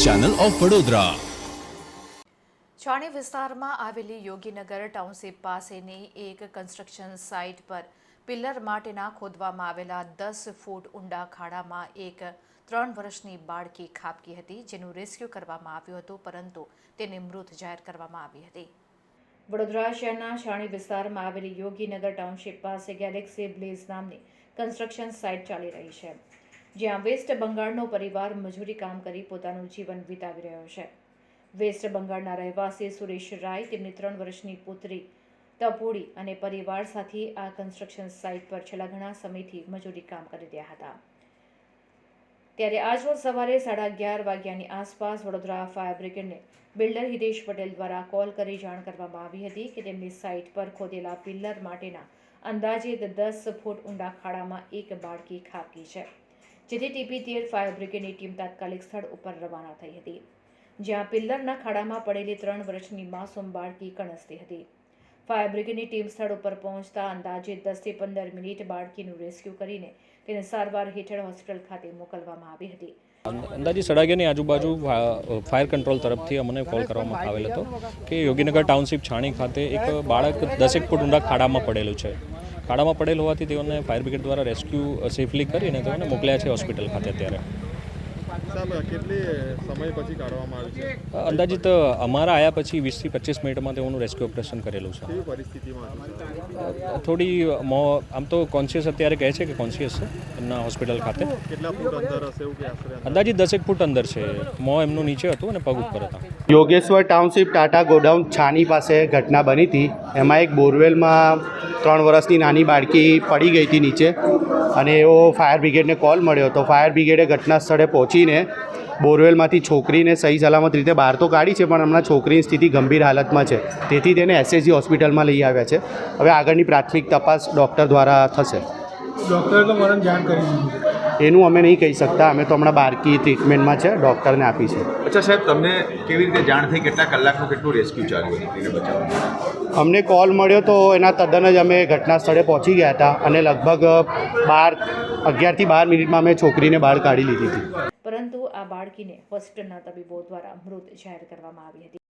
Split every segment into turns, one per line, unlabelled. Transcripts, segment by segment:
Channel of Vadodara.
છાણી વિસ્તારમાં આવેલી Yoginagar township પાસેની એક કન્સ્ટ્રક્શન સાઇટ પર પિલ્લર માટેના ખોદવામાં આવેલા 10 ફૂટ ઊંડા ખાડામાં એક 3 વર્ષની બાળકી ખાબકી હતી, જેનું રેસ્ક્યુ કરવામાં આવ્યું હતું, પરંતુ તેને મૃત જાહેર કરવામાં આવી હતી। વડોદરા શહેરના છાણી વિસ્તારમાં આવેલી યોગીનગર ટાઉનશીપ પાસે ગેલેક્સી બ્લેઝ નામની કન્સ્ટ્રક્શન સાઇટ ચાલી રહી છે, જ્યાં વેસ્ટ બંગાળનો પરિવાર મજૂરી કામ કરી પોતાનું જીવન વિતાવી રહ્યો છે। વેસ્ટ બંગાળના રહેવાસી સુરેશ રાય તેમની 3 વર્ષની પુત્રી તપોડી અને પરિવાર સાથે આ કન્સ્ટ્રક્શન સાઇટ પર છેલ્લા ઘણા સમયથી મજૂરી કામ કરી રહ્યા હતા। ત્યારે આજરોજ સવારે 11:30 વાગ્યાની આસપાસ વડોદરા ફાયર બ્રિગેડને બિલ્ડર હિતેશ પટેલ દ્વારા કોલ કરી જાણ કરવામાં આવી હતી કે તેમની સાઇટ પર ખોદેલા પિલ્લર માટેના અંદાજિત 10 ફૂટ ઊંડા ખાડામાં એક બાળકી ખાબકી છે, જેથી TP13 ફાયર બ્રિગેડની ટીમ તાત્કાલિક સ્થળ ઉપર રવાના થઈ હતી, જ્યાં પિલ્લરના ખાડામાં પડેલી 3 વર્ષની માસૂમ બાળકી કણસતી હતી। ફાયર બ્રિગેડની ટીમ સ્થળ ઉપર પહોંચતા અંદાજે 10 થી 15 મિનિટ બાળકીનું રેસ્ક્યુ કરીને તેને સારવાર હેઠળ હોસ્પિટલ ખાતે મોકલવામાં આવી હતી।
અંદાજે 11:30ની આજુબાજુ ફાયર કંટ્રોલ તરફથી અમને કોલ કરવામાં આવેલ હતો કે યોગીનગર ટાઉનશીપ છાણી ખાતે એક બાળક 10 ફૂટ ઊંડા ખાડામાં પડેલું છે। ખાડામાં પડેલ હોવાથી તેઓને ફાયર બ્રિગેડ દ્વારા રેસ્ક્યુ સેફલી કરીને તેઓને મોકલ્યા છે હોસ્પિટલ ખાતે। અત્યારે અંદાજિત અમારા આવ્યા પછી 20 થી 25 મિનિટમાં તેઓનું રેસ્ક્યુ ઓપરેશન કરેલું છે। થોડી આમ તો કોન્શિયસ અત્યારે કહે છે કે કોન્શિયસ છે એમના હોસ્પિટલ ખાતે। અંદાજિત 10 ફૂટ અંદર છે। મોં એમનું નીચે હતું અને પગ ઉપર હતા।
યોગેશ્વર ટાઉનશીપ ટાટા ગોડાઉન છાની પાસે ઘટના બની હતી। એમાં એક બોરવેલમાં 3 વર્ષની નાની બાળકી પડી ગઈ હતી નીચે, અને એવો ફાયર બ્રિગેડને કોલ મળ્યો હતો। ફાયર બ્રિગેડે ઘટના સ્થળે પહોંચીને બોરવેલમાંથી છોકરીને સહી સલામત રીતે બહાર તો કાઢી છે, પણ હમણાં છોકરીની સ્થિતિ ગંભીર હાલતમાં છે, તેથી તેને SSG હોસ્પિટલમાં લઈ આવ્યા છે। હવે આગળની પ્રાથમિક તપાસ ડૉક્ટર દ્વારા થશે।
ડૉક્ટરે તો મને જાણ કરી દીધી છે,
એનું અમે નહીં કહી શકતા, અમે તો હમણાં બાળકી ટ્રીટમેન્ટમાં છે, ડૉક્ટરને આપી છે।
અચ્છા સાહેબ, તમને કેવી રીતે જાણ થઈ? કેટલા કલાકનું કેટલું રેસ્ક્યુ ચાલ્યું દીકરીને બચાવવાનું?
અમને કોલ મળ્યો તો એના તદ્દન જ અમે ઘટના સ્થળે પહોંચી ગયા હતા, અને લગભગ 11 થી 12 મિનિટમાં અમે છોકરીને બહાર કાઢી લીધી હતી,
પરંતુ આ બાળકીને હોસ્પિટલના તબીબો દ્વારા મૃત જાહેર કરવામાં આવી હતી।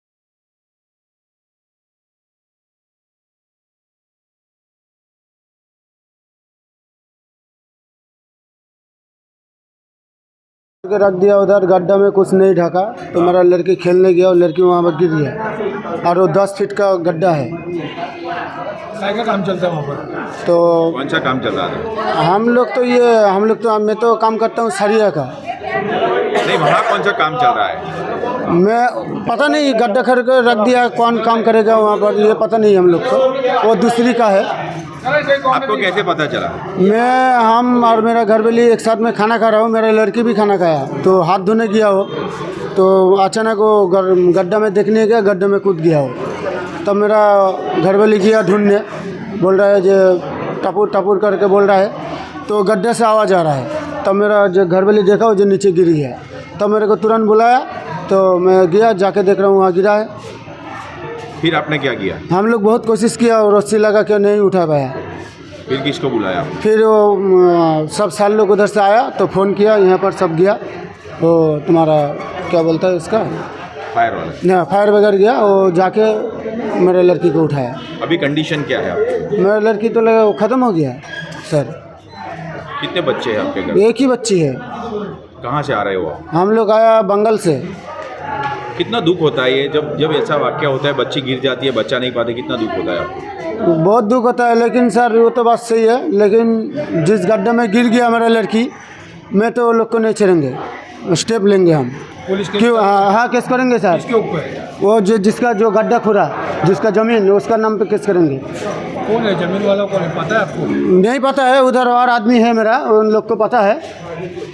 रख दिया उधर गड्ढा में, कुछ नहीं ढका, तो मेरा लड़की खेलने गया और लड़की वहाँ पर गिर गया, और वो 10 फीट का गड्ढा है। क्या काम चलता है वहाँ पर? तो
कौन सा काम चल रहा था?
हम लोग तो मैं तो काम करता हूँ सरिया का।
नहीं, वहाँ कौन सा काम चल रहा है?
मैं पता नहीं, गड्ढा खड़ कर रख दिया, कौन काम करेगा वहाँ पर ये पता नहीं हम लोग को, वो दूसरी का है।
आपको कैसे पता चला?
हम और मेरा घरवाली एक साथ में खाना खा रहा हूँ, मेरा लड़की भी खाना खाया, तो हाथ धोने गया हो तो अचानक वो गड्ढा में देखने गया, गड्ढे में कूद गया हो। तब मेरा घरवाली गया ढूंढने, बोल रहा है जो टपूर टपूर करके बोल रहा है, तो गड्ढे से आवाज़ आ रहा है। तब मेरा जो घरवाली देखा वो जो नीचे गिरी है, तब मेरे को तुरंत बुलाया, तो मैं गया, जाके देख रहा हूँ वहाँ गिरा है।
फिर आपने क्या किया?
हम लोग बहुत कोशिश किया और रस्सी लगा के नहीं उठा पाया।
फिर किसको बुलाया?
फिर वो सब साल लोग उधर से आया तो फ़ोन किया, यहाँ पर सब गया, वो तुम्हारा क्या बोलता है इसका,
फायर वाला?
ना फायर वगैरह गया, वो जाके मेरे लड़की को उठाया।
अभी कंडीशन क्या है आपकी?
मेरा लड़की तो लगा ख़त्म हो गया सर।
कितने बच्चे हैं आपके घर?
एक ही बच्ची है।
कहाँ से आ रहे हो आप?
हम लोग आया बंगाल से।
कितना दुख होता है ये जब ऐसा वाक्य होता है, बच्ची गिर जाती है, बच्चा नहीं पाते, कितना दुख होता है आपको?
बहुत दुख होता है, लेकिन सर वो तो बात सही है, लेकिन जिस गड्ढे में गिर गया मेरा लड़की, मैं तो लोग को नहीं छोड़ेंगे, स्टेप लेंगे हम। क्यों? हाँ केस करेंगे सर। किसके ऊपर? वो जिसका जो गड्ढा खुरा, जिसका ज़मीन, उसका नाम पे केस करेंगे। कौन है ज़मीन वाला? कौन है पता है आपको? नहीं पता है, उधर और आदमी है मेरा, उन लोग को पता है।